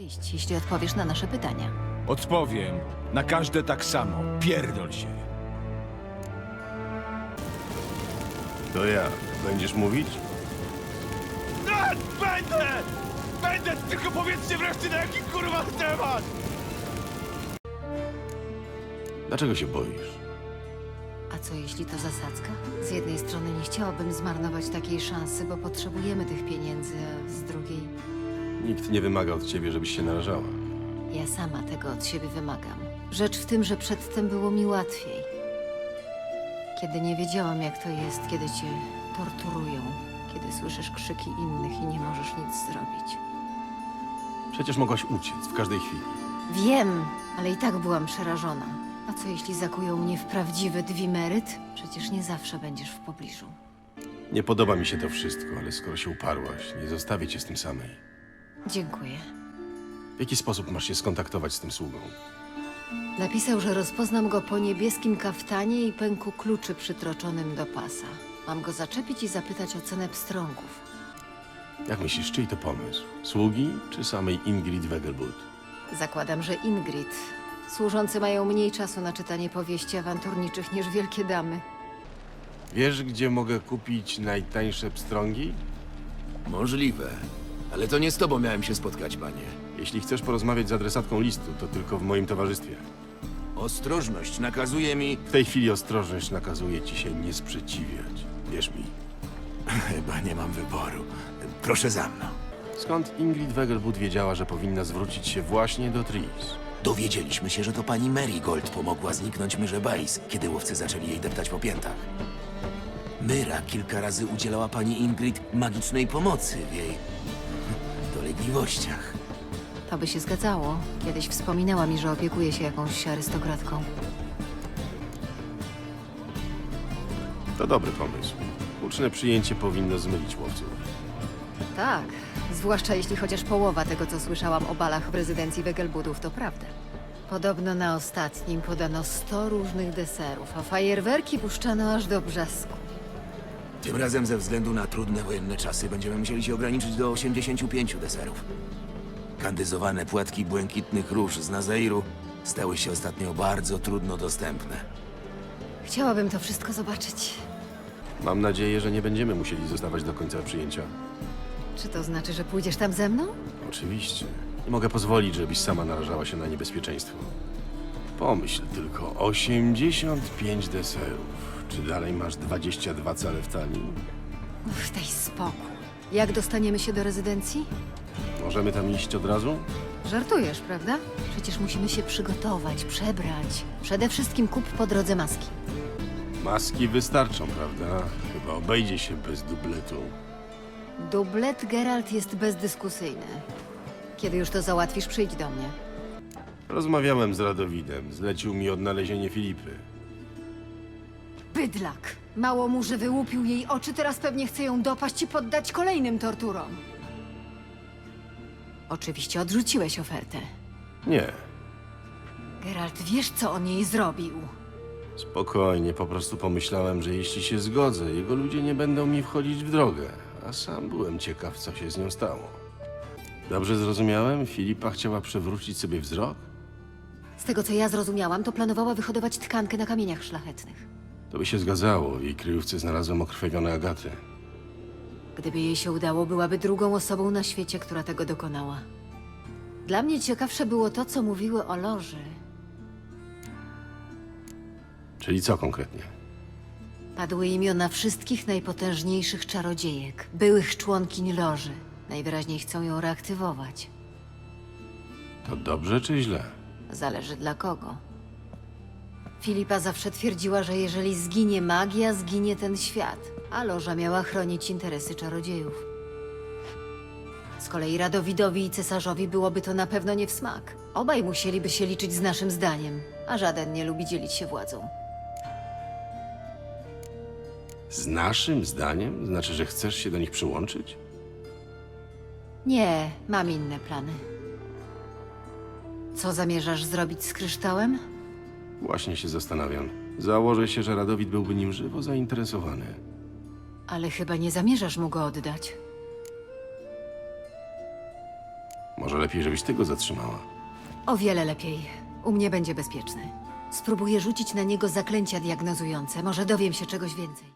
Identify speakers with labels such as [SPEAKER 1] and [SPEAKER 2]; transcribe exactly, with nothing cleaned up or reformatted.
[SPEAKER 1] iść, jeśli odpowiesz na nasze pytania.
[SPEAKER 2] Odpowiem na każde tak samo. Pierdol się.
[SPEAKER 3] To ja. Będziesz mówić?
[SPEAKER 2] A, będę! Będę! Tylko powiedzcie wreszcie na jaki kurwa temat!
[SPEAKER 3] Dlaczego się boisz?
[SPEAKER 1] A co jeśli to zasadzka? Z jednej strony nie chciałabym zmarnować takiej szansy, bo potrzebujemy tych pieniędzy, a z drugiej
[SPEAKER 3] Nikt nie wymaga od ciebie, żebyś się narażała.
[SPEAKER 1] ja sama tego od siebie wymagam. Rzecz w tym, że przedtem było mi łatwiej. Kiedy nie wiedziałam, jak to jest, kiedy cię torturują, kiedy słyszysz krzyki innych i nie możesz nic zrobić.
[SPEAKER 3] Przecież mogłaś uciec w każdej chwili.
[SPEAKER 1] Wiem, ale i tak byłam przerażona. A co jeśli zakują mnie w prawdziwy dwimeryt? Przecież nie zawsze będziesz w pobliżu.
[SPEAKER 3] Nie podoba mi się to wszystko, ale skoro się uparłaś, nie zostawię cię z tym samej.
[SPEAKER 1] Dziękuję.
[SPEAKER 3] W jaki sposób masz się skontaktować z tym sługą?
[SPEAKER 1] Napisał, że rozpoznam go po niebieskim kaftanie i pęku kluczy przytroczonym do pasa. Mam go zaczepić i zapytać o cenę pstrągów.
[SPEAKER 3] Jak myślisz, czyj to pomysł? Sługi czy samej Ingrid Wegelbud?
[SPEAKER 1] Zakładam, że Ingrid. Służący mają mniej czasu na czytanie powieści awanturniczych niż wielkie damy.
[SPEAKER 3] Wiesz, gdzie mogę kupić najtańsze pstrągi?
[SPEAKER 4] Możliwe. Ale to nie z tobą miałem się spotkać, panie.
[SPEAKER 3] Jeśli chcesz porozmawiać z adresatką listu, to tylko w moim towarzystwie.
[SPEAKER 4] Ostrożność nakazuje mi...
[SPEAKER 3] W tej chwili ostrożność nakazuje ci się nie sprzeciwiać. Wierz mi.
[SPEAKER 4] Chyba nie mam wyboru. Proszę za mną.
[SPEAKER 3] Skąd Ingrid Wegelbud wiedziała, że powinna zwrócić się właśnie do Tris?
[SPEAKER 4] Dowiedzieliśmy się, że to pani Marigold pomogła zniknąć Myrze Bais, kiedy łowcy zaczęli jej deptać po piętach. Myra kilka razy udzielała pani Ingrid magicznej pomocy w jej dolegliwościach.
[SPEAKER 1] To by się zgadzało. Kiedyś wspominała mi, że opiekuje się jakąś arystokratką.
[SPEAKER 3] To dobry pomysł. Uczne przyjęcie powinno zmylić łowców.
[SPEAKER 1] Tak, zwłaszcza jeśli chociaż połowa tego, co słyszałam o balach w rezydencji Wegelbudów, to prawda. Podobno na ostatnim podano sto różnych deserów, a fajerwerki puszczano aż do brzasku.
[SPEAKER 4] Tym razem ze względu na trudne wojenne czasy będziemy musieli się ograniczyć do osiemdziesięciu pięciu deserów. Kandyzowane płatki błękitnych róż z Nazairu stały się ostatnio bardzo trudno dostępne.
[SPEAKER 1] Chciałabym to wszystko zobaczyć.
[SPEAKER 3] Mam nadzieję, że nie będziemy musieli zostawać do końca przyjęcia.
[SPEAKER 1] Czy to znaczy, że pójdziesz tam ze mną?
[SPEAKER 3] Oczywiście. Nie mogę pozwolić, żebyś sama narażała się na niebezpieczeństwo. Pomyśl tylko, osiemdziesiąt pięć deserów. Czy dalej masz dwadzieścia dwa cale w talii?
[SPEAKER 1] Uff, daj spokój. Jak dostaniemy się do rezydencji?
[SPEAKER 3] Możemy tam iść od razu?
[SPEAKER 1] Żartujesz, prawda? Przecież musimy się przygotować, przebrać. Przede wszystkim kup po drodze maski.
[SPEAKER 3] Maski wystarczą, prawda? Chyba obejdzie się bez dubletu.
[SPEAKER 1] Dublet Geralt jest bezdyskusyjny. Kiedy już to załatwisz, przyjdź do mnie.
[SPEAKER 3] Rozmawiałem z Radowidem. Zlecił mi odnalezienie Filipy.
[SPEAKER 1] Bydlak! Mało mu, że wyłupił jej oczy, teraz pewnie chce ją dopaść i poddać kolejnym torturom. Oczywiście odrzuciłeś ofertę.
[SPEAKER 3] Nie.
[SPEAKER 1] Geralt, wiesz, co on jej zrobił?
[SPEAKER 3] Spokojnie, po prostu pomyślałem, że jeśli się zgodzę, jego ludzie nie będą mi wchodzić w drogę. A sam byłem ciekaw, co się z nią stało. Dobrze zrozumiałem? Filipa chciała przewrócić sobie wzrok?
[SPEAKER 1] Z tego, co ja zrozumiałam, to planowała wyhodować tkankę na kamieniach szlachetnych.
[SPEAKER 3] To by się zgadzało. W jej kryjówce znalazłem okrwawione agaty.
[SPEAKER 1] Gdyby jej się udało, byłaby drugą osobą na świecie, która tego dokonała. Dla mnie ciekawsze było to, co mówiły o Loży.
[SPEAKER 3] Czyli co konkretnie?
[SPEAKER 1] Padły imiona wszystkich najpotężniejszych czarodziejek, byłych członkiń Loży. Najwyraźniej chcą ją reaktywować.
[SPEAKER 3] To dobrze czy źle?
[SPEAKER 1] Zależy dla kogo. Filipa zawsze twierdziła, że jeżeli zginie magia, zginie ten świat, a Loża miała chronić interesy czarodziejów. Z kolei Radowidowi i cesarzowi byłoby to na pewno nie w smak. Obaj musieliby się liczyć z naszym zdaniem, a żaden nie lubi dzielić się władzą.
[SPEAKER 3] Z naszym zdaniem? Znaczy, że chcesz się do nich przyłączyć?
[SPEAKER 1] Nie, mam inne plany. Co zamierzasz zrobić z kryształem?
[SPEAKER 3] Właśnie się zastanawiam. Założę się, że Radowid byłby nim żywo zainteresowany.
[SPEAKER 1] Ale chyba nie zamierzasz mu go oddać.
[SPEAKER 3] Może lepiej, żebyś ty go zatrzymała.
[SPEAKER 1] O wiele lepiej. U mnie będzie bezpieczny. Spróbuję rzucić na niego zaklęcia diagnozujące. Może dowiem się czegoś więcej.